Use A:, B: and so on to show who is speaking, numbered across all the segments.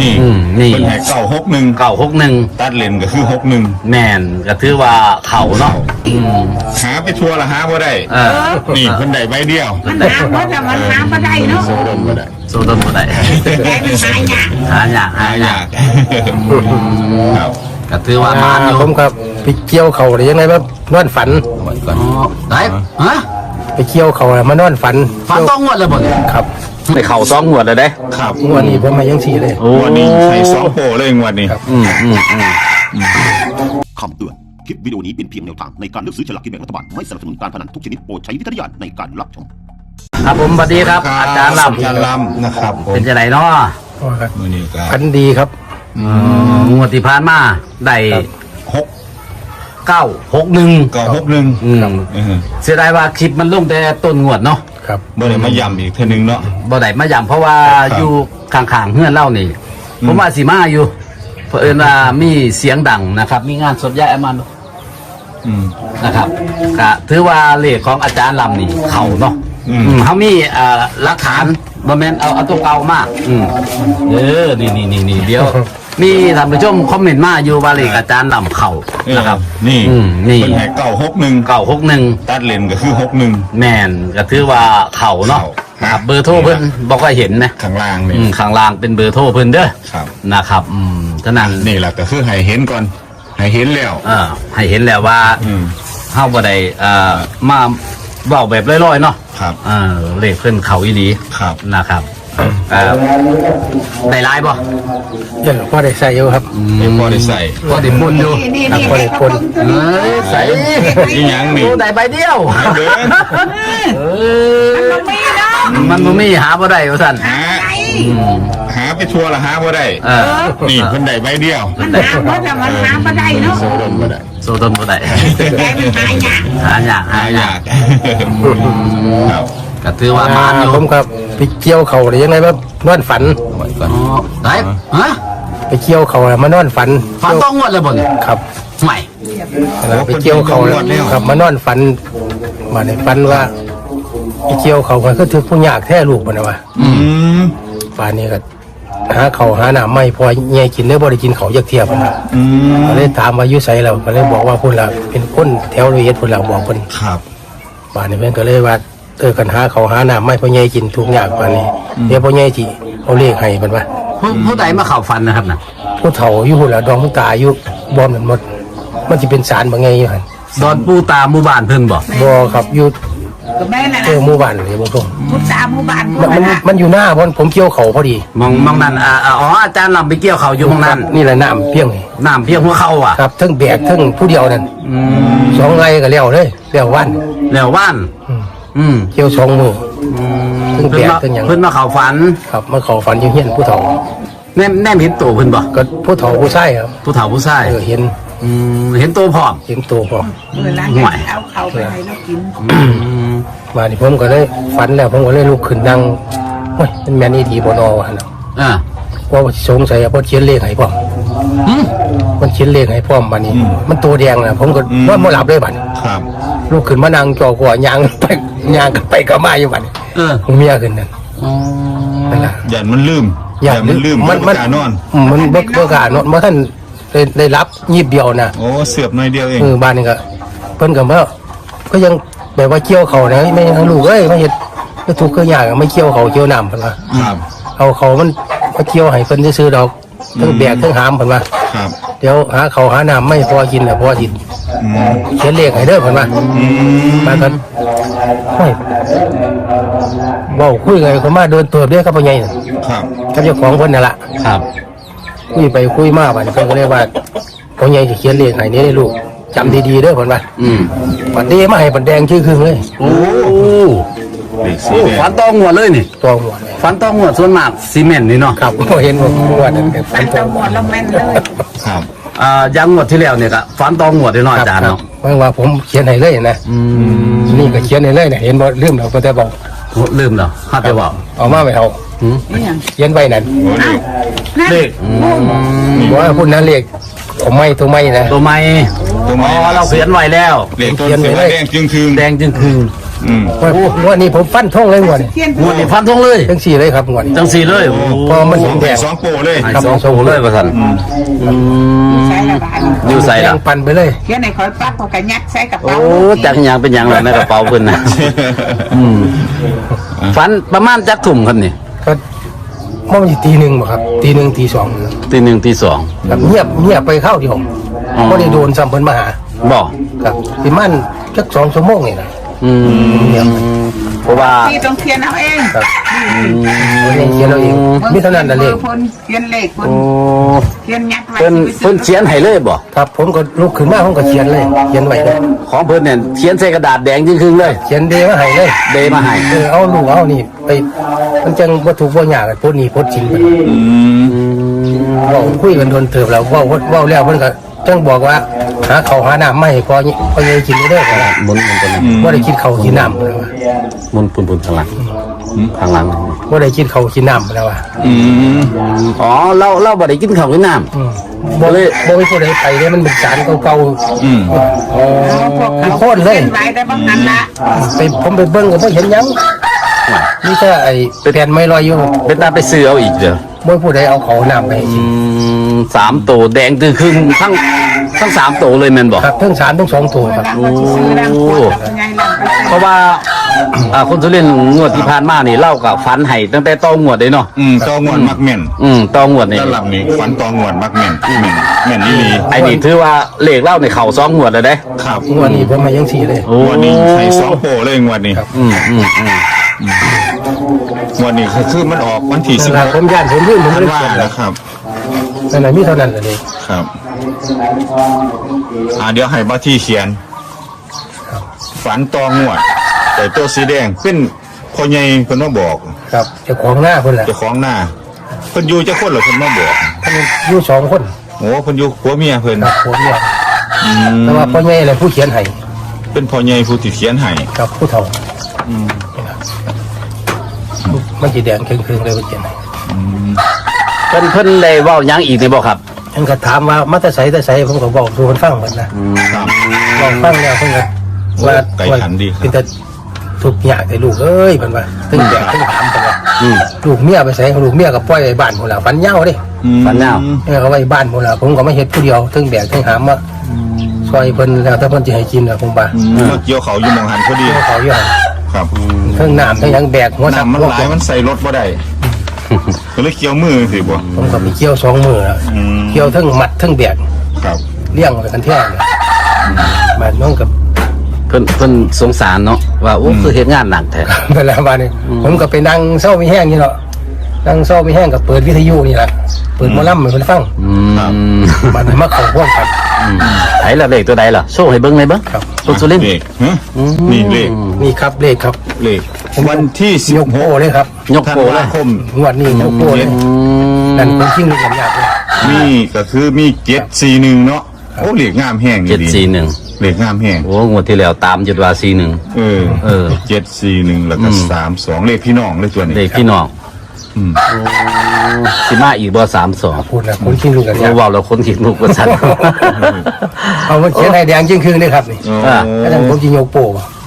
A: นี่
B: เป็นให้
A: 961
B: ตัดเลนก็คือ61
A: แม่นก็ถือว่าเขาเนาะ
B: หาไปทัวร์ละหาบ่ได้นี่เพิ่นได้ใบเดียว
C: มันหาเพราะจะมันหาบ่ได้เนาะ
B: โซดมบ่ได้
A: โซต้นบ่ได้
C: แต่มันหายาก
A: หายาก
B: ครับ
A: ก็ถือว่ามาอยู่
D: ผมครับไปเกี่ยวเขาหรือยังไงแบบนอนฝัน
A: ได้ฮะ
D: ไปเกี่ยวเขาแล้วมานอนฝัน
A: ต้องงวดเลยบ่เนี่ย
D: ครับ
A: ไปเข่า2งวดเลยเด้
B: ครับ
D: งวดนี้ผมมายังสี่เลย
B: วันนี้ใส่2โปเลยงวดนี้
E: คำเตือนคลิปวิดีโอนี้เป็นเพียงแนวทางในการเลือกซื้อฉลากกินแบ่งรัฐบาลไม่สนับสนุนการพนันทุกชนิดโปรดใช้วิจารณญาณในการรับชม
A: ครับผมสวัสดีครับอาจารย์ล
B: ำนะครับ
A: เป็นจะไหนเนาะ
B: มื้อนี้ก็
D: ฝันดีครับ
A: งวดที่ผ่านมาได้961เสียดายว่าคลิปมันลงแต่ต้นงวดเนาะ
D: ครับ
B: บ่ได้มาย้ำอีกเทื่อนึงเนาะ
A: บ่ได้มาย้ำเพราะว่าอยู่ข้างๆเฮือนเล่านี่ผมว่าสิมาอยู่เผอิญว่ามีเสียงดังนะครับมีงานสดย้ายมันนะครับก็ถือว่าเลขของอาจารย์ลำนี่เข้าเนาะเขามีหลักฐานบ่แม่นเอาตัวเก่ามากนี่เดี๋ยวมีท่านผู้ชมคอมเมนต์มาอยู่ว่าเลขอาจารย์ลำเข้านะครับ
B: นี่
A: เป็น
B: ให้961ตัดเลนก็คือ61
A: แม่นก็ถือว่าเข้าเนาะครับเบอร์โทรเพิ่นบอกว่าเห็นนะ
B: ข้างล่างนี่
A: ข้างล่างเป็นเบอร์โทรเพิ่นเด้อ
B: ครับ
A: นะครับฉะนั้น
B: นี่แหละก็คือให้เห็นก่อนให้เห็นแล้ว
A: ให้เห็นแล้วว่าเฮาบ่ได้มาเว้าแบบลอยๆเนาะ
B: ครับ
A: เลขเพิ่นเข้าอีหลี
B: ครับ
A: นะครับได้หลายบ่
D: เดี๋ยวพอได้ใส่อยู่ครับ
B: พอได้ใส่
A: พอได้ปนอยู่
D: พอได้ปน
A: ใส่
B: อีหยังนี่
A: ได้ใบเดียวมันบ่มีหาบ่ได้ว่าซั่น
B: หาไปทัวร์ละหาบ่ได้นี่เพิ่นได้ใบเดียว
C: มันหาเพราะจะมันหาบ่ได้เนาะ
B: โซดมบ่ได้
A: โซต้นบ่ได้
C: แต่มันหายาก
B: ครับ
A: ก็ถือว่ามาอยู่
D: ผมครับไปเกี่ยวเขาหรือยังไงแบบนอนฝัน
A: ได้ฮะ
D: ไปเกี่ยวเขาแล้วมานอนฝัน
A: ต้องงวดเลยบ่เนี่ย
D: ครับ
A: ใหม่
D: ไปเกี่ยวเขาแล้วครับมานอนฝันมาในฝันว่าไปเกี่ยวเขามันก็ถือผู้ยากแท้ลูกมันนะว่าป่านนี้ก็หาเขาหาหน้าไม่พอเงี้ยกินได้บ่ได้กินเขายักเทียบนะก็เลยถามว่าอยู่ไสแล้วก็เลยบอกว่าพุ่นละเป็นคนแถวละเอียดพุ่นละบอกเพิ่น
B: ครับ
D: ป่านนี้เพิ่นก็เลยว่ากันหาเขาหาหน้าไม่พอเงี้ยกินทุกอย่างป่านนี้เดี๋ยวพอเงี้ยสิเอาเลขให้เพิ่นว่า
A: ผู้ใดมาเข้าฝันนะครับน่ะ
D: ผู้เฒ่าอยู่พุ่นละดองผู้ตาอยู่บ่นั่นหมดมันสิเป็นศาลบ่ไงอยู่หั่น
A: ดอนปูตาหมู่บ้านเพิ่นบ่
D: ครับอยู่
C: ก็แม่น่ะ
D: หมู่บ้านเลยบ่ตรง
C: พุทธาหมู่บ้าน
D: มันอยู่หน้าผมเกี่ยวเขาพอดี
A: มองนั่นอาจารย์ลำไปเกี่ยวเขาอยู่ตรงนั้น
D: นี่แหละน้ำเพียง
A: หัวเข่า
D: ครับทั้งแบกทั้งผู้เดียวนั่น2 ไร่ก็แล้วเลยแล้ววันเกี่ยว2 มือทั้งแบกทั้งหยัง
A: เพิ่นมาเข้าฝัน
D: ครับมาเข้าฝันอยู่เฮียนผู้เฒ่า
A: แน่เห็นตัวเพิ่นบ่
D: ก็ผู้เฒ่าผู้ชายครับ
A: ผู้เฒ่าผู้ชาย
D: เ
A: ห็นตัวพร้อม
C: ห่วยเอาเขาไปให้เรากิน
D: มาดิผมก็เลยฝันแล้วผมก็เลยลุกขึ้นนั่งโอ้ยมันแม่นอีดีบ่นอว่าเนาะว่าสงสัยเพราะเขียนเลขให้พร้อมมันเขียนเลขให้พร้อมบัดนี้มันตัวแดงน่ะผมก็นอนบ่หลับเลยบัด
B: ครับ
D: ลุกขึ้นมานั่งจ่อหัวยางไปก็มาอยู่บัดผมเมียขึ้นนั่นนั่นล่ะ
B: ยันมันลืมมันนอน
D: มันบ่กล้านอนบ่ทันได้รับยีบเดียวนะ
B: โอ้เสือบหน่อยเดียวเอง
D: บ้านนี่ก็เพิ่นก็ว่าก็ยังแบบว่าเกี่ยวเขานะไม่ทั้งลูกเอ้ยมาเฮ็ดก็ทุกข์ก็ยากไม่เกี่ยวเขาเกี่ยวน้ำเพิ่นว่าเอาเขามันมาเกี่ยวให้เพิ่นซื้อดอกทั้งแบกทั้งหามเพิ่นว่าเดี๋ยวหาเขาหาน้ำไม่พอกินน่ะพอกินเขียนเลขให้เด้อเพิ่นว่ามากันโอ้ยเว้าคุยกันคนมาเดินตัวเด้อครับพ่อใหญ่
B: ครับ
D: กับเจ้าของเพิ่นนั่นล่ะ
A: ครับ
D: คุยไปคุยมาบัดนี้เพิ่นก็เลยว่าพ่อใหญ่สิเขียนเลขให้นี่ได้ลูกจำดีๆเด้อเพิ่นว่าบัดนี้มาให้บัดแดงชื่อคือเลย
A: โอ้ฝันต้องหัวเลยนี่
D: ต้องหัว
A: ฝันต้องหัวส่วนมากซีเมนต์นี่เนาะ
D: ครับก็เห็นว่านั่น
C: ฝันต้องหัวแล้วแม่นเลย
B: ครับ
A: ยังงวดที่แล้วเนี่ยก็ฝันต้องหัวได้น้อยอาจารย์เนาะ
D: ว่าผมเขียนให้เลยนะนี่ก็เขียนให้เลยเนี่ยเห็นบ่ลืมแล้วก็แต่บอก
A: ลืมแล้วฮะแต่ว่า
D: เอามาไม่เอาเขียนไว้นั่น
A: เลข
D: ว่าพูดนั้นเลขตัวไม่
A: ตัวไม่เราเขียนไว้แล้ว
B: เลขตัวแดงจึงคือ
D: วันนี้ผมฟันท่องเลยงวดนี้
C: เทียน
A: งวดนี้ฟันทงเลย
D: จังสี่เลยครับงวดนี้
A: จังสี่เลยโอ้
D: พอมันเห็นแดง
B: สองโปรเลย
A: ให้สองโชว์เลยประสัน
C: ใส่ละบาท
A: อยู่ใส่
D: แด
A: ละ
D: งปันไปเลย
C: เทียนในคอยปั๊บเขาก็ยัดใส่กระ
A: โอ้
C: เป๋า
A: จักหยังเป็นหยังเลยในกระเป๋าเพิ่นนะฝันประมาณจักถุ่มครับนี่
D: ก็มันอยู่ตีหนึ่งบ่ครับตีหนึ่งตีสอง
A: ตีหนึ่งตีสอง
D: ครับเงียบไปเข้าเดียว
A: อ๋อ
D: ไม่ได้โดนซ้ำเพิ่นมาหา
A: บอก
D: ครับที่มันจัก2 ชั่วโมงนี่นะ
A: เพราะว่า
C: ที่ต้องเทียนเอาเอง
D: ครับเขียนเราเองมิเท่านั้นน่ะเลข
C: คนเทียนเลขคน
A: โอ้
C: เทียนยัดไว้
A: เพิ่นเขียนให้เลยบ่
D: ครับผมก็ลุกขึ้นมาผมก็เขียนเลยเขียนไว้เลย
A: ของเพิ่นเนี่ยเขียนใส่กระดาษแดงจริงๆเลย
D: เขียนเดมาให้เลย
A: เดมาให้
D: เอาลูกเอานี่ไปมันจังบ่ถูกบ่ยากโพดนี้โพดจริงเว้าคุยกันโดนเติบแล้วเว้าแล้วเพิ่นก็จังบอกว่าหาข้าวหาน้ำมาให้พอใหญ่กินเด้อครับ
A: หมุนตัวนี้
D: บ่ได้กินข้าวกินน้ำแล้วว่า
A: หมุนปุ่นๆข้างหลังข้างหลัง
D: บ่ได้กินข้าวกินน้ำแล้วว่า
A: อ๋อเราบ่ได้กินข้าวกินน้ำ
D: บ่เลยบ่มีผู้ใดไปเลยมันเป็นสารเก่าๆ
C: เอาพวกเขา
D: โค่นเลย
C: เทียนไว้ได้บ้างนั้นละ
D: ผมไปเบิ่งก็บ่เห็นหยังนี่แค่ไอ้แผ่นไม้ลอยอยู่
A: เป็นตาไปซื้อเอาอีกเด้อ
D: บ่ผู้ใดเอาข้าวน้ำไปให้กิน
A: 3ตัวแดงตือครึ่งทั้ง3ตัวเลยแม่นบ่
D: ครับทั้ง3ทั้ง2ตัวครับ
C: แล้วก็ซื้อรังขวดแล้วก็ไงรังไป
A: เพราะว่าคนสุรินทร์งวดที่ผ่านมานี่เล่ากับฝันให้ตั้งแต่ตองวดเลยเนาะ
B: ตองวดมักแม่น
A: ตองวดนี่
B: แล้วหลับนี่ฝันตองวดมักแม่นแม่นนี่ลี
A: ไอ้นี่ถือว่าเลขเล่าในเข่า2งวดเลยเด้
B: ครับ
D: งวดนี้ผมมายังสี่เลย
B: งวดนี้ใส่สองโปรเลยงวดนี้ งวดนี้คือมันออกวันที่
D: นั่นล่ะผมย่านผมลืมผม
B: ธั
D: เล
B: น
D: ย
B: วา
D: เขียน
B: แล้วครับ
D: นั่นน่ะมีเท่านั้นเลย
B: ครับเดี๋ยวให้บ้าที่เขียน ฝันตองวด แต่ตัวสีแดงเป็นพ่อใหญ่เพิ่นมาบอก
D: ครับเจ้าของหน้าเพิ่นล่ะ
B: เจ้าของหน้าเพิ่นอยู่จะคนเหรอเพิ่นมาบอก
D: เพิ่นอยู่2 คน
B: โอ้เพิ่นอยู่ผัวเมียเพิ่น
D: ครับผมเนี่ยแต่ว่าพ่อใหญ่เลยผู้เขียนให้
B: เป็นพ่อใหญ่ผู้ที่เขียนให้
D: กับผู้เฒ่ามันสิแดงครึ่งๆเลยผู้เขียนให้
A: เพิ่นเลยเว้าหยังอีกนี่บ่ครับ
D: เพิ่นก็ถามว่ามาแต่ไสผมก็บอกดูเพิ่นฟังเหมือนนะครับ บอกฟังแล้วเพิ่นก็ว่า
B: ไก่ขันดีครับ
D: เป็นแต่ทุกอย่างแต่ลูกเอ้ยเพิ่นว่าถึงแดกถึงถามเพิ่นว่า ลูกเมียไปใส่ลูกเมียก็ปล่อยไว้บ้านพุ่นล่ะฟันเหย้าเด้
A: ฝันยาว
D: เมียก็ไว้บ้านพุ่นล่ะผมก็ไม่เฮ็ดผู้เดียวถึงแบกถึงหามมาซอยเพิ่นแล้วถ้าเพิ่นสิให้กินล่ะผมว่า
B: มาเกี่ยวเขาอยู่หมองหันพอดี
D: เกี่ยวเขาอยู่หั่น
B: ครับ
D: ถึงน้ำถึงหยังแบกหัวหนัก
B: น้ำมัน
D: หัว
B: หลายมันใส่รถบ่ได้ก็เลยเกี่ยวมือสิบ่
D: ผมก็ไปเกี่ยว2 มื้อแล้วเกี่ยวทั้งมัดทั้งแบก
B: ครับ
D: เลี้ยงไว้กันแท้เลยมันน้องกับ
A: เพิ่นสงสารเนาะว่าโอ้คือเฮ็ดงานหนักแท้
D: เวลาบ้านนี้ผมก็ไปนั่งเศร้ามีแห้งนี่เนาะนั่งเศร้ามีแห้งกับเปิดวิทยุนี่แหละเปิดหมอลำให้เพิ่นฟังมันมาเข้าร่วมกัน
A: ไหนล่ะเลขตัวใดล่ะโชว์ให้เบิ่งหน่อยเบิ่ง
D: ครับ
A: คนสุรินทร์
B: เลขฮะนี่เลข
D: นี่ครับเลขครับ
B: เลขวันที่
D: ยกโป้เลยครับ
A: ยก
B: ธัน
A: โปเล
B: วาย คม
D: งวดนี้ยกโป้เลยนั่นเป็นชิงลูกกันยากเลย
B: นี่ก็คือมี741เนาะโอ้เลขงามแห้งนี่ดี
A: 741
B: เลขงามแห้ง
A: โอ้งวดที่แล้วตามจุดว่า41
B: เออ741แล้วก็32เลขพี่น้องเลยตัวนี้
A: เลขพี่น้องสิมาอีกบ่32
D: พูดนะคนชิงลูกกันยาก
A: เว้าแล้วคนคิดลูกว่าซั่น
D: เอามาเขียนให้แดงจริงคืนเลยครับนี่
B: อ๋อ
D: แล้วนั่นผมจะยกโป้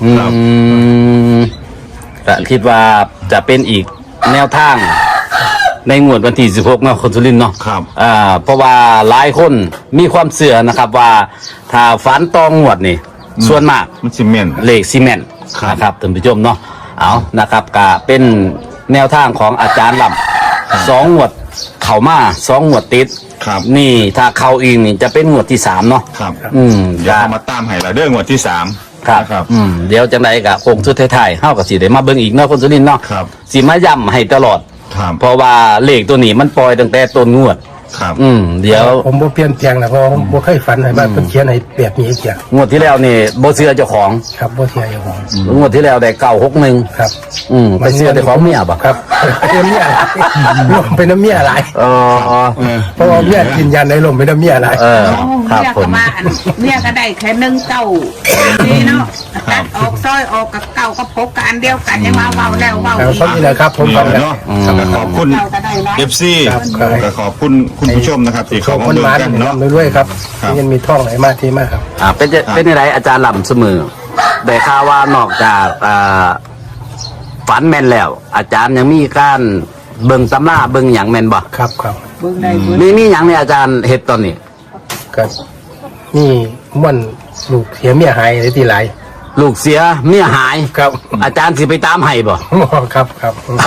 A: แต่คิดว่าจะเป็นอีกแนวทางในงวดวันที่16เนาะคนสุรินทร์เนาะ
B: ครับ
A: เพราะว่าหลายคนมีความเสื่อนะครับว่าถ้าฝันตองงวดนี่ส่วนมาก
B: มันสิแม่น
A: เลขซีเมนต์
B: ครับ
A: นะครับท่านผู้ชมเนาะเอานะครับก็เป็นแนวทางของอาจารย์ลำ2งวดเข้ามา2งวดติด
B: ครับ
A: นี่ถ้าเข้าอีกนี่จะเป็นงวดที่3เนาะ
B: ครับ
A: ก็
B: เอามาตามให้เราเด้องวดที่3
A: ครับ เดี๋ยวจังไดก็คงสุดท้ายๆเฮาก็สิได้มาเบิ่งอีกเนาะคนสุรินทร์เนาะ
B: ครับ
A: สิมาย้ำให้ตลอด
B: ครับ
A: เพราะว่าเลขตัวนี้มันปล่อยตั้งแต่ต้นงวด
B: ครับ
A: เดี๋ยว
D: ผมบ่เปลี่ยนแปลงนะเพราะผมบ่เคยฝันให้บ้านเพิ่นเขียนให้แบบนี้เกีย
A: งวดที่แล้วนี่บ่เชื่อเจ้าของ
D: ครับบ่เทียอยู่ของ
A: งวดที่แล้วได้961
D: ครับ
A: ไปเชื่อแต่ของเมียบ่
D: ครับเป็นเมียหลายรวมเป็นน้ำเมียหลาย เพราะว่าเมียกินยาในลมเป็นน้ำเมียหลาย
A: ครับ
C: เมีย
A: ผ
C: ก็
A: ม
C: มาเมียก็ได้แค่1 เก้านี่เนาะตัดออกซอยออกกับเก้าก็พบกันเดียวกันยังมาเว้าแล้วเว้า
D: ครับ
C: อีก
D: เขานี่แหละครับผม
B: นี่
D: ฟัง
B: แหละ
D: แล้ว
B: เนาะก็ขอบคุณ FC ก็ขอบคุณคุณผู้ชมนะครับที่
D: ข
B: เขา
D: อบ
B: มา
D: คุณ
B: เบิ่ง
D: มา
B: กันเนาะ
D: ด้วยครับ
B: ครับ
D: ยังมีท่องไหลมาที่มากครับ
A: เป็นยังไงอาจารย์ลำเสมอได้ข่าวว่านอกจากฝันแม่นแล้ว อาจารย์ยังมีการเบิ่งตำราเบิ่งหยังแม่นบ่
D: ครับครับ
C: เบิ่งได้เบิ่ง
A: มีหยังเนี่ยอาจารย์เฮ็ดตอนนี้
D: ก็นี่มันลูกเสียเมียหายเลยที่หลาย
A: ลูกเสียเมียหาย
D: ครับ
A: อาจารย์สิไปตามให้บ่
D: ครับครับ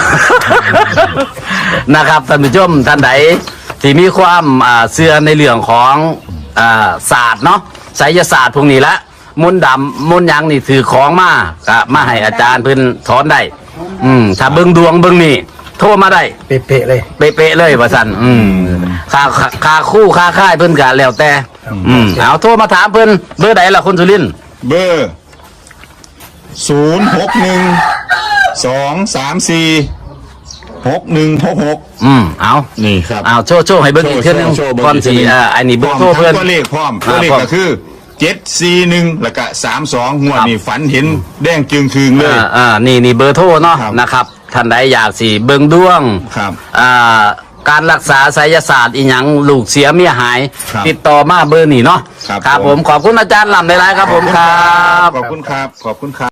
A: นะครับท่านผู้ชมท่านใดที่มีความเชื่อในเรื่องของศาสตร์เนาะไสยศาสตร์พวกนี้ละมนต์ดำมนต์หยังนี่ถือของมาก็มาให้อาจารย์เพิ่นถอนได้ถ้าเบิ่งดวงเบิ่งนี่โทรมาได้
D: เป๊ะๆเลย
A: เป๊ะๆเลยว่าซั่นค่าคู่ค่าค่ายเพิ่นก็แล้วแต่เอาโทรมาถามเพิ่นเบอร์ใดล่ะคนสุรินทร์
B: เบอร์061-234-6166
A: เอา
B: นี่ครับ
A: เอาโชว์ให้เบิ่งอีกเทื่อนึง
B: โชว์เบิ่ง
A: ก่อนสิ
B: อีกเทื่อนึง
A: อันนี้เบิ่ง
B: พ
A: โท
B: ร้
A: ร
B: อม
A: เพิ่น
B: ตัวเลขพร้อมตัวเลข
A: พร้อม
B: ก็คือ741แล้วก็32งวดนี้ฝันเห็นแดงจึงคืงเลย
A: นี่เบอร์โทรเนาะ
B: ครับ
A: นะครับท่านใดอยากสิเบิ่งดวง
B: ครับ
A: การรักษาไสยศาสตร์อีหยังลูกเสียเมียหาย
B: ครับ
A: ติดต่อมาเบอร์นี่เนาะ
B: ครับ
A: ผมขอบคุณอาจารย์ลำหลายๆครับผมครับ
B: ขอบคุณครับขอบคุณครับ